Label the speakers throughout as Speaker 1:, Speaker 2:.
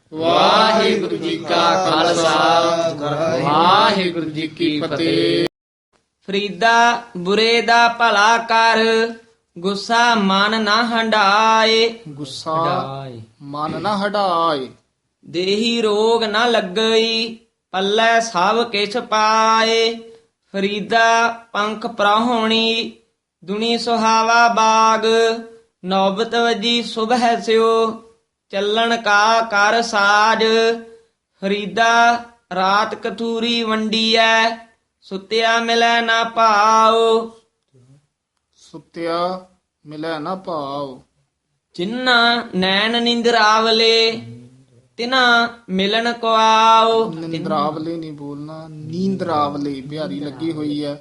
Speaker 1: ਵਾਹਿਗੁਰੂ ਜੀ ਕਾ ਖਾਲਸਾ ਵਾਹਿਗੁਰੂ ਜੀ ਕੀ ਫਤਿਹ।
Speaker 2: ਫਰੀਦਾ ਬੁਰੇ ਦਾ ਭਲਾ ਕਰ, ਗੁੱਸਾ ਮਨ ਨਾ ਹੰਢਾਏ।
Speaker 1: ਗੁੱਸਾ ਮਨ ਨਾ ਹਟਾਏ।
Speaker 2: ਦੇਹੀ ਰੋਗ ਨਾ ਲੱਗਈ, ਪੱਲੇ ਸਭ ਕਿਛ ਪਾਏ। ਫਰੀਦਾ ਪੰਖ ਪ੍ਰਾਹੁਣੀ, ਦੁਨੀ ਸੁਹਾਵਾ ਬਾਗ। ਨੌਬਤ ਵਜੀ ਸੁਬਹ ਸਿਓ, ਚੱਲਣ ਕਾ ਕਰ ਸਾਜ। ਫਰੀਦਾ ਰਾਤ ਕਥੂਰੀ ਵੰਡੀਐ, ਸੁਤਿਆ ਮਿਲੈ ਨਾ ਭਾਉ।
Speaker 1: ਸੁਤਿਆ ਮਿਲੈ ਨਾ ਭਾਉ।
Speaker 2: ਜਿਨ੍ਹਾਂ ਨੈਣ ਨਿੰਦਰਾਵਲੇ, ਤਿਨਾ ਮਿਲਣ ਕੋ ਆਓ।
Speaker 1: ਨਿੰਦਰਾਵਲੇ ਨਹੀਂ ਬੋਲਣਾ, ਨੀਂਦਰਾਵਲੇ ਬਿਹਾਰੀ ਲੱਗੀ ਹੋਈ ਹੈ।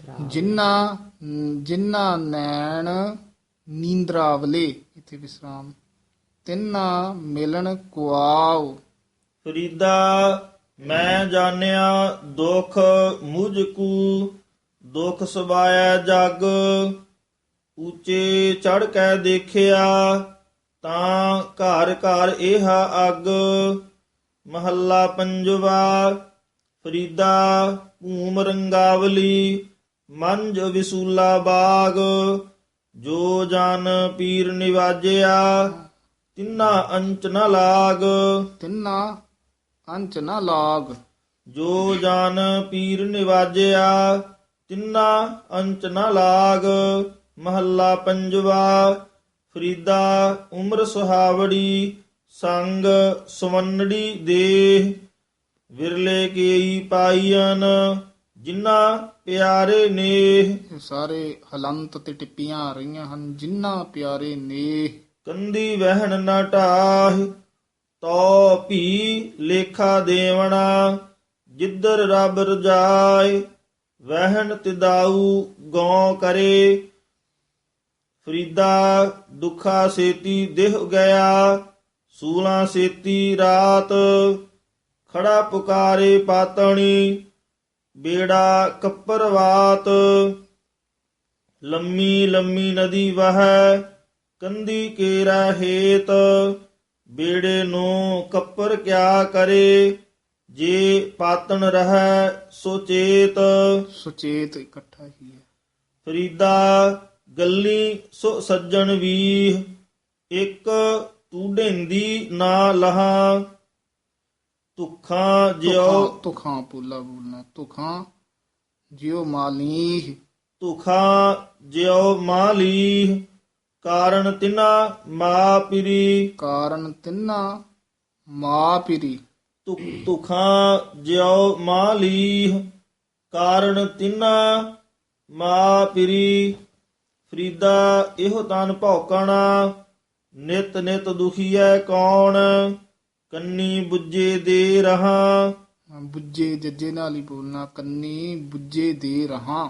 Speaker 1: ਜਿਨ੍ਹਾਂ ਨੈਣ ਨੀਂਦਰਾਵਲੇ, ਇੱਥੇ ਵਿਸਰਾਮ। ਤਿੰਨਾ ਮਿਲਣ ਕੁਆਉ।
Speaker 3: ਫਰੀਦਾ ਮੈਂ ਜਾਣਿਆ ਦੁਖ ਮੁਝ ਕੂ, ਦੁਖ ਸਬਾਇਆ ਜਗ। ਉੱਚੇ ਚੜ ਕੇ ਦੇਖਿਆ, ਤਾਂ ਘਰ ਘਰ ਇਹ ਅੱਗ। ਮਹੱਲਾ ਪੰਜਵਾ। ਫਰੀਦਾ ਭੂਮ ਰੰਗਾਵਲੀ, ਮੰਝ ਵਿਸੂਲਾ ਬਾਗ। ਜੋ ਜਨ ਪੀਰ ਨਿਵਾਜਿਆ, ਤਿੰਨਾ ਅੰਚ ਨ ਲਾਗ।
Speaker 1: ਤਿੰਨਾ ਅੰਚ ਨਾ ਲਾਗ।
Speaker 3: ਜੋ ਜਨ ਪੀਰ ਨਿਵਾਜਿਆ, ਤਿੰਨਾ ਅੰਚ ਨ ਲਾਗ। ਮਹੱਲਾ ਪੰਜਵਾ। ਫਰੀਦਾ ਉਮਰ ਸੁਹਾਵੜੀ, ਸੰਗ ਸੁਵੰਨੜੀ ਦੇਹ। ਵਿਰਲੇ ਕੇਈ ਪਾਈਨ, ਜਿਨ੍ਹਾਂ ਪਿਆਰੇ ਨੇਹ।
Speaker 1: ਇਹ ਸਾਰੇ ਹਲੰਤ ਤੇ ਟਿੱਪੀਆਂ ਆ ਰਹੀਆਂ ਹਨ। ਜਿਨ੍ਹਾਂ ਪਿਆਰੇ ਨੇਹ।
Speaker 3: ਕੰਦੀ ਵਹਿਣ ਨਾ ਢਾਹ, ਤੋ ਭੀ ਲੇਖਾ ਦੇਵਣਾ। ਜਿੱਧਰ ਰੱਬ ਰਜਾਏ, ਵਹਿਣ ਤਿਦਾਊ ਗਉ ਕਰੇ। ਫਰੀਦਾ ਦੁਖਾ ਸੇਤੀ ਦਿਹ ਗਿਆ, ਸੂਲਾਂ ਸੇਤੀ ਰਾਤ। ਖੜਾ ਪੁਕਾਰੇ ਪਾਤਣੀ, ਬੇੜਾ ਕੱਪਰਵਾਤ। ਲੰਮੀ ਲੰਮੀ ਨਦੀ ਵਹੈ, ਕੰਦੀ ਕੇਰਾ ਹੇਤ। ਬੇੜੇ ਨੂੰ ਕੱਪਰ ਕਿਆ ਕਰੇ, ਜੇ ਪਾਤਣ ਰਹੈ ਸੋ ਚੇਤ।
Speaker 1: ਸੁਚੇਤ ਇਕੱਠਾ ਹੀ ਹੈ।
Speaker 3: ਫਰੀਦਾ ਗੱਲੀ ਸੋ ਸੱਜਣ ਵੀਹ, ਇੱਕ ਤੂੰ ਢੇਂਦੀ ਨਾ ਲਹਾ। ਤੁਖਾਂ ਜਿਉ
Speaker 1: ਤੁਖਾਂ ਪੂਲਾ ਬੋਲਣਾ। ਤੁਖਾਂ ਜਿਉ ਮਾਲੀਹ।
Speaker 3: ਤੁਖਾਂ ਜਿਉ ਮਾਲੀ, ਕਾਰਨ ਤਿਨਾ ਮਾ ਪਿਰੀ।
Speaker 1: ਕਾਰਨ ਤਿੰਨਾ ਮਾ ਪਿਰੀ।
Speaker 3: ਤੁਖਾਂ ਜਿਉ ਮਾਲੀ, ਕਾਰਨ ਤਿਨਾ ਮਾ ਪਿਰੀ। ਫਰੀਦਾ ਇਹੋ ਤਨ ਭੌਕਣਾ, ਨਿਤ ਨਿਤ ਦੁਖੀਐ ਕੌਣ। ਕੰਨੀ ਬੁੱਝੇ ਦੇ ਰਹਾ,
Speaker 1: ਬੁੱਝੇ ਜੱਜੇ ਨਾਲ ਹੀ ਬੋਲਣਾ। ਕੰਨੀ ਬੁੱਝੇ ਦੇ ਰਹਾ।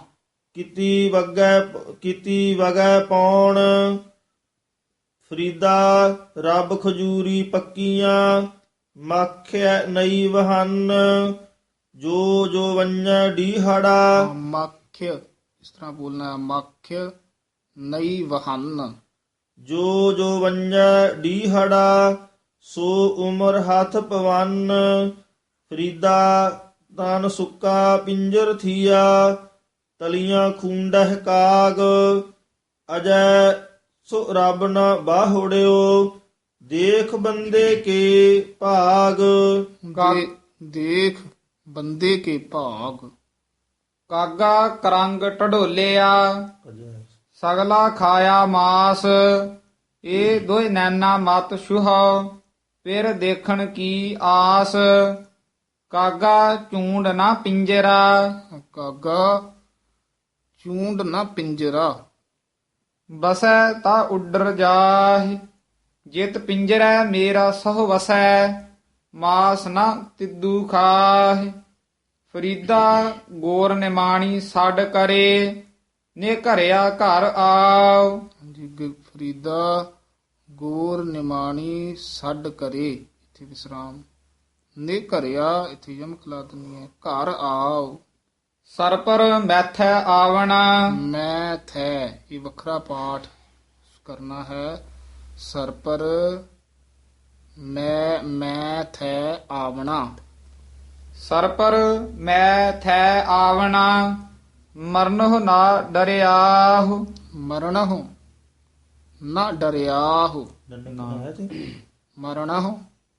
Speaker 3: ਕੀਤੀ ਵਗੈ ਪੌਣ। ਫਰੀਦਾ ਰੱਬ ਖਜੂਰੀ ਪੱਕੀਆਂ, ਮੱਖਿਆ ਨਈ ਵਹਨ। ਜੋ ਜੋ ਵੰਜੈ ਡੀਹੜਾ,
Speaker 1: ਮੱਖ ਇਸ ਤਰ੍ਹਾਂ ਬੋਲਣਾ। ਮੱਖ ਨਈ ਵਹਨ।
Speaker 3: ਜੋ ਜੋ ਵੰਜੈ ਡੀਹੜਾ, ਸੋ ਉਮਰ ਹੱਥ ਪਵਨ। ਫਰੀਦਾ ਤਨ ਸੁੱਕਾ ਪਿੰਜਰ ਥੀਆ, ਤਲੀਆਂ ਖੂੰਡਹਿ ਕਾਗ। ਅਜੈ ਸੋ ਰੱਬ ਨ ਬਾਹੁੜਿਓ, ਦੇਖ ਬੰਦੇ ਕੇ ਭਾਗ।
Speaker 1: ਦੇਖ ਬੰਦੇ ਕੇ ਭਾਗ।
Speaker 4: ਕਾਗਾ ਕਰੰਗ ਢਡੋਲਿਆ, ਸਗਲਾ ਖਾਇਆ ਮਾਸ। ਇਹ ਦੋਇ ਨੈਣਾ ਮਤ ਛੁਹਾ, ਫਿਰ ਦੇਖਣ ਕੀ ਆਸ। ਕਾਗਾ ਝੂੰਡ ਨਾ ਪਿੰਜਰਾ,
Speaker 1: ਕਾਗਾ ਚੂੰਡ ਨਾ ਪਿੰਜਰਾ।
Speaker 4: ਬਸੈ ਤਾ ਉੱਡਰ ਜਾਹਿ, ਜਿਤ ਪਿੰਜਰੈ ਮੇਰਾ ਸਹੁ ਵਸੈ। ਮਾਸ ਨਾ ਤਿੱਦੂ ਖਾਹਿ। ਫਰੀਦਾ ਗੋਰ ਨਿਮਾਣੀ ਛੱਡ ਕਰੇ, ਨੇ ਘਰਿਆ ਘਰ ਆਓ।
Speaker 1: ਫਰੀਦਾ ਗੋਰ ਨਿਮਾਣੀ ਛੱਡ ਕਰੇ, ਇੱਥੇ ਵਿਸਰਾਮ। ਨੇ ਘਰਿਆ, ਇੱਥੇ ਯਮਕ ਲਾ ਦੇਣੀ ਹੈ। ਘਰ ਆਓ।
Speaker 4: ਸਰਪਰ ਮੈਥੈ ਆਵਣਾ,
Speaker 1: ਮੈਂ ਥੈ, ਇਹ ਵੱਖਰਾ ਪਾਠ ਕਰਨਾ ਹੈ। ਸਰਪਰ ਮੈਂ ਮੈਂ ਥੈ ਆਵਣਾ।
Speaker 4: ਸਰ ਪਰ ਮੈਂ ਥੈ ਆਵਣਾ, ਮਰਨਹੁ ਨਾ ਡਰਿਆਹੁ।
Speaker 1: ਮਰਣਹੁ ਨਾ ਡਰਿਆਹੁ।
Speaker 3: ਨੰਨੇ ਕਾ ਹੈ ਤੇ
Speaker 1: ਮਰਣਹੁ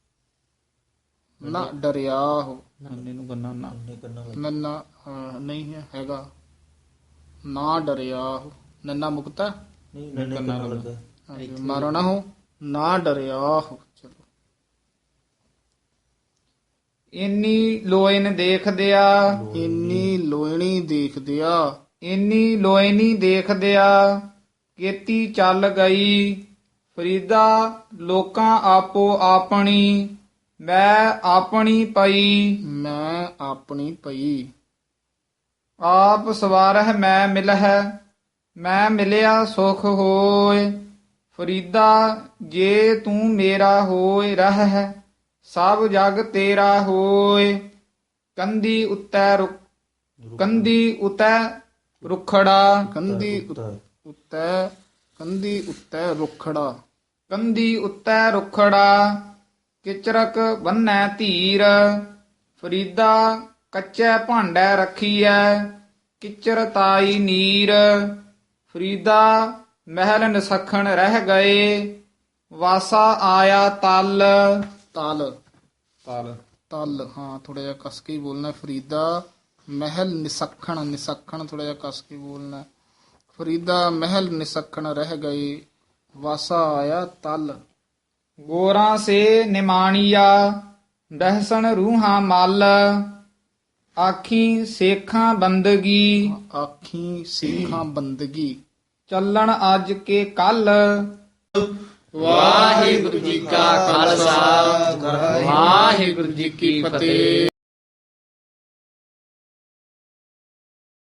Speaker 1: ਨਾ ਡਰਿਆਹੁ।
Speaker 4: ਨੰਨੇ ਨੂੰ ਗੰਨਾ ਨਾ।
Speaker 3: ਨੰਨੇ ਕਰਨਾ
Speaker 1: ਨੰਨਾ ਨਹੀਂ ਹੈ, ਹੈਗਾ ਨਾ ਡਰਿਆਹੁ। ਨੰਨਾ ਮੁਕਤਾ।
Speaker 3: ਨਹੀਂ ਨੰਨੇ ਕਰਨਾ ਲੱਗਾ।
Speaker 1: ਹਾਂਜੀ, ਮਰਣਹੁ ਨਾ ਡਰਿਆਹੁ। ਚਲੋ
Speaker 4: ਇੰਨੀ ਲੋਇਨ ਦੇਖਦਿਆ,
Speaker 1: ਇੰਨੀ ਲੋਇਣੀ ਦੇਖਦਿਆ,
Speaker 4: ਇੰਨੀ ਲੋਇਨੀ ਦੇਖਦਿਆ, ਕੇਤੀ ਚੱਲ ਗਈ। ਫਰੀਦਾ ਲੋਕਾਂ ਆਪੋ ਆਪਣੀ, ਮੈਂ ਆਪਣੀ ਪਈ।
Speaker 1: ਮੈਂ ਆਪਣੀ ਪਈ।
Speaker 4: ਆਪ ਸਵਾਰਹਿ ਮੈਂ ਮਿਲਹਿ, ਮੈਂ ਮਿਲਿਆ ਸੁਖ ਹੋਇ। ਫਰੀਦਾ ਜੇ ਤੂੰ ਮੇਰਾ ਹੋਇ ਰਹਿ, ਸਭ ਜਗ ਤੇਰਾ ਹੋਇ। ਕੰਧੀ ਉਤੈ ਰੁਖੜਾ,
Speaker 1: ਕੰਧੀ ਉੱਤੈ, ਕੰਧੀ ਉੱਤੈ ਰੁਖੜਾ।
Speaker 4: ਕੰਧੀ ਉੱਤੈ ਰੁਖੜਾ, ਕਿਚਰਕ ਬੰਨੈ ਧੀਰ। ਫਰੀਦਾ ਕੱਚੇ ਭਾਂਡੇ ਰੱਖੀਐ, ਕਿਚਰ ਤਾਈ ਨੀਰ। ਫਰੀਦਾ ਮਹਿਲ ਨਿਸਖਣ ਰਹਿ ਗਏ, ਵਾਸਾ ਆਇਆ ਤਲ।
Speaker 1: ਤਲ
Speaker 4: ਤਲ
Speaker 1: ਤਲ ਹਾਂ, ਥੋੜਾ ਜਿਹਾ ਕਸ ਕੇ ਹੀ ਬੋਲਣਾ। ਫਰੀਦਾ ਮਹਿਲ ਨਿਸਖਣ, ਨਿਸਖਣ ਥੋੜਾ ਜਿਹਾ ਕਸ ਕੇ ਬੋਲਣਾ। ਫਰੀਦਾ ਮਹਿਲ ਨਿਸਖਣ ਰਹਿ ਗਏ, ਵਾਸਾ ਆਇਆ ਤਲ।
Speaker 4: ਗੋਰਾਂ ਸੇ ਨਿਮਾਣੀਆ, ਦਹਸਣ ਰੂਹਾਂ ਮਲ। ਆਖੀ ਸੇਖਾਂ ਬੰਦਗੀ,
Speaker 1: ਆਖੀ ਸਿੱਖਾਂ ਬੰਦਗੀ।
Speaker 4: ਚੱਲਣ ਅੱਜ ਕੇ ਕੱਲ।
Speaker 2: ਵਾਹਿਗੁਰੂ ਜੀ ਕਾ ਖਾਲਸਾ ਵਾਹਿਗੁਰੂ ਜੀ ਕੀ ਫਤਿਹ।